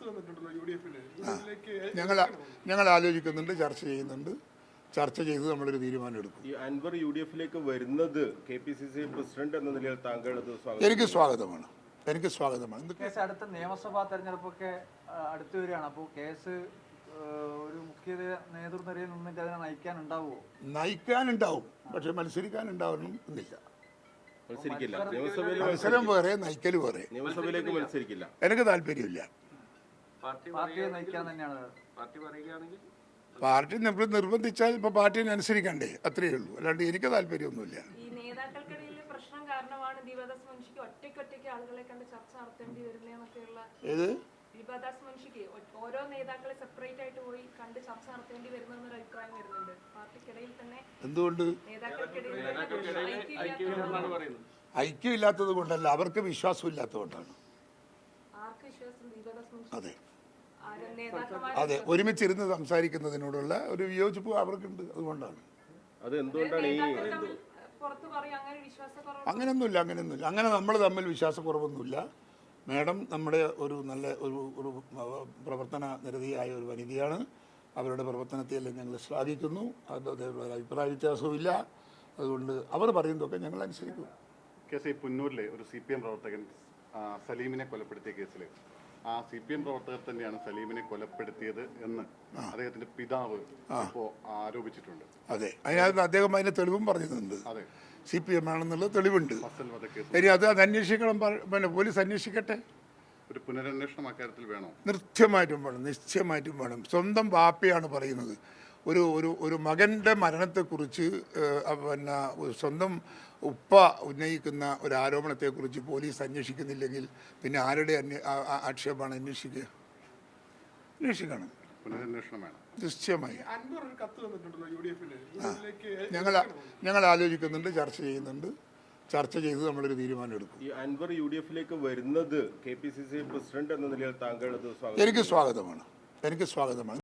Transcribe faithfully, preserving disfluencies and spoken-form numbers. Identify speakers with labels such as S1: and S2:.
S1: ഞങ്ങൾ ഞങ്ങൾ ആലോചിക്കുന്നുണ്ട്, ചർച്ച ചെയ്യുന്നുണ്ട്. ചർച്ച ചെയ്ത് നമ്മളൊരു തീരുമാനം എടുക്കും.
S2: ഈ അൻവർ യു ഡി എഫിലേക്ക് വരുന്നത് K P C C president എന്ന നിലയിൽ താങ്കൾ
S1: എനിക്ക് സ്വാഗതമാണ് എനിക്ക് സ്വാഗതമാണ്
S3: കേസ് അടുത്ത നിയമസഭാ തെരഞ്ഞെടുപ്പൊക്കെ അടുത്തു വരികയാണ്. അപ്പോൾ കേസ് ഒരു മുഖ്യ നേതൃനിരയിൽ നിന്നിട്ട് അതിനെ നയിക്കാനുണ്ടാവുമോ?
S1: നയിക്കാനുണ്ടാവും, പക്ഷെ മത്സരിക്കാനുണ്ടാവണം എന്നില്ല.
S2: മത്സരിക്കില്ല.
S1: മത്സരം വേറെ, നയിക്കൽ വേറെ.
S2: നിയമസഭയിലേക്ക് മത്സരിക്കില്ല.
S1: എനിക്ക് താല്പര്യമില്ല.
S3: പാർട്ടിയെ നയിക്കാൻ തന്നെയാണ്
S2: പാർട്ടി പറയുകയാണെങ്കിൽ
S1: പാർട്ടി നമ്മൾ നിർബന്ധിച്ചാൽ ഇപ്പൊ പാർട്ടിനെ അനുസരിക്കണ്ടേ, അത്രയേ ഉള്ളൂ. അല്ലാണ്ട് എനിക്ക് താല്പര്യമൊന്നുമില്ല.
S4: ഈ നേതാക്കൾക്കിടയിലെ പ്രശ്നം കാരണമാണ് ദീപദാസ് മുൻഷിക്ക് ഒറ്റയ്ക്കൊറ്റയ്ക്ക് ആളുകളെ കണ്ട് ചർച്ച നടത്തേണ്ടി വരുന്നതെന്നൊക്കെയുള്ള
S1: ഏത്
S4: ദീപദാസ് മുൻഷിക്ക് ഓരോ നേതാക്കളെ സെപ്പറേറ്റ് ആയിട്ട് പോയി കണ്ട് ചർച്ച നടത്തേണ്ടി വരുന്നൊരു അഭിപ്രായം വരുന്നുണ്ട് പാർട്ടിക്കിടയിൽ തന്നെ.
S1: എന്തുകൊണ്ട്? ഐക്യം ഇല്ലാത്തത് കൊണ്ടല്ല, അവർക്ക് വിശ്വാസം ഇല്ലാത്തത് കൊണ്ടാണ്.
S4: ആർക്ക് വിശ്വാസം? ദീപദാസ് മുൻഷി.
S1: അതെ അതെ ഒരുമിച്ചിരുന്ന് സംസാരിക്കുന്നതിനോടുള്ള ഒരു വിയോജിപ്പ് അവർക്കുണ്ട്, അതുകൊണ്ടാണ്.
S2: അത് എന്തുകൊണ്ടാണ് ഈ
S1: അങ്ങനെയൊന്നുമില്ല അങ്ങനെയൊന്നുമില്ല അങ്ങനെ നമ്മൾ തമ്മിൽ വിശ്വാസക്കുറവൊന്നുമില്ല. മാഡം നമ്മുടെ ഒരു നല്ല ഒരു ഒരു പ്രവർത്തന നിരതിയായ ഒരു വനിതയാണ്. അവരുടെ പ്രവർത്തനത്തെയെല്ലാം ഞങ്ങൾ ശ്ലാഘിക്കുന്നു. അത് അതേപോലെ അഭിപ്രായ വ്യത്യാസവുമില്ല. അതുകൊണ്ട് അവർ പറയുന്നതൊക്കെ ഞങ്ങൾ അനുസരിക്കും.
S5: കേസ് ഈ പുന്നൂരിലെ ഒരു സി പി എം പ്രവർത്തകൻ സലീമിനെ കൊലപ്പെടുത്തിയ കേസിൽ ആ സി പി എം പ്രവർത്തകർ തന്നെയാണ് സലീമിനെ കൊലപ്പെടുത്തിയത് എന്ന് അദ്ദേഹത്തിന്റെ പിതാവ് ഇപ്പോൾ ആരോപിച്ചിട്ടുണ്ട്.
S1: അതെ, അതിനകത്ത് അദ്ദേഹം അതിന്റെ തെളിവും പറഞ്ഞിട്ടുണ്ട്.
S5: അതെ,
S1: സി പി എം ആണെന്നുള്ള തെളിവുണ്ട്. ഇനി അത് അത് അന്വേഷിക്കണം, പിന്നെ പോലീസ് അന്വേഷിക്കട്ടെ.
S5: ഒരു പുനരന്വേഷണം അക്കാര്യത്തിൽ വേണോ?
S1: നിശ്ചയമായിട്ടും വേണം, നിശ്ചയമായിട്ടും വേണം. സ്വന്തം ബാപ്പയാണ് പറയുന്നത്. ഒരു ഒരു ഒരു മകൻ്റെ മരണത്തെക്കുറിച്ച് പിന്നെ സ്വന്തം ഉപ്പ ഉന്നയിക്കുന്ന ഒരു ആരോപണത്തെക്കുറിച്ച് പോലീസ് അന്വേഷിക്കുന്നില്ലെങ്കിൽ പിന്നെ ആരുടെ ആക്ഷേപമാണ് അന്വേഷിക്കുക? അന്വേഷിക്കണം,
S5: പുനരന്വേഷണം വേണം
S1: നിശ്ചയമായി. ഞങ്ങൾ ഞങ്ങൾ ആലോചിക്കുന്നുണ്ട്, ചർച്ച ചെയ്യുന്നുണ്ട്. ചർച്ച ചെയ്ത് നമ്മളൊരു തീരുമാനം എടുക്കും.
S2: ഈ അൻവർ യു ഡി എഫിലേക്ക് വരുന്നത് K P C C president എന്ന നിലയിൽ താങ്കൾ
S1: എനിക്ക് സ്വാഗതമാണ് എനിക്ക് സ്വാഗതമാണ്